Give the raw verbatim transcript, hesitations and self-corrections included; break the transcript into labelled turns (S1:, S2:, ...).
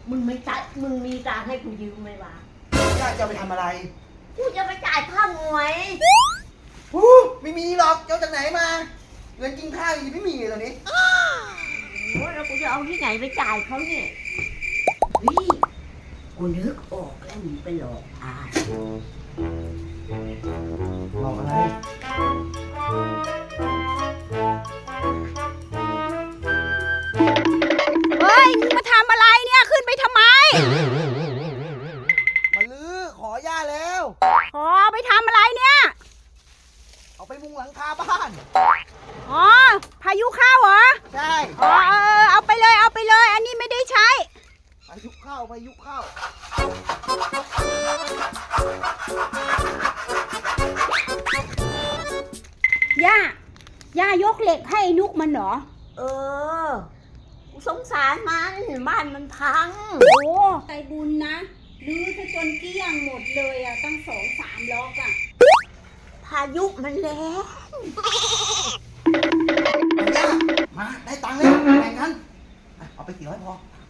S1: มึงไม่จ่ายมึงมีตังค์ให้กูยืมไหมวะ
S2: ย่าจะเอาไปทำอะไร
S1: กูจะไปจ่ายค่าหวย
S2: ฮู้ไม่มีหรอกเจ้าจากไหนมาเงินกินข้าวยังไม่มีเลยตอนนี้
S1: โอ้แล้วกูจะเอาที่ไหนไปจ่ายเขาเนี่ยเฮ้ยกูนึกออกแล้วมึงไปหลอกอาย
S2: หลอกอะไร
S3: เฮ้ยมึงมาทำอะไรเนี่ยขึ้นไปทำไม
S2: มาลื้อขอย่าแล้ว
S3: ขอไปทำอะไรเนี่ย
S2: เอาไปมุงหลังคาบ้าน
S3: อ๋อพายุเข้าเหรอ
S2: ใช่
S3: อ๋อเออเอาไปเลยเอาไปเลย อันนี้ไม่ได้ใช้
S2: พายุเข้าพายุเข้า
S3: ย่า ย่ายกเหล็กให้ไอ้นุกมันเหรอ
S1: เออกูสงสารมันบ้านมันพัง
S3: โอ้ใจบุญนะรื้อซะจนเกลี้ยงหมดเลยอ่ะตั้งสองสามล็อกอ่ะ
S1: พายุมันแรง
S2: ย่ามาได้ตังค์แล้วแบ่งกันอ่ะเอาไปกี่ร้อยพอ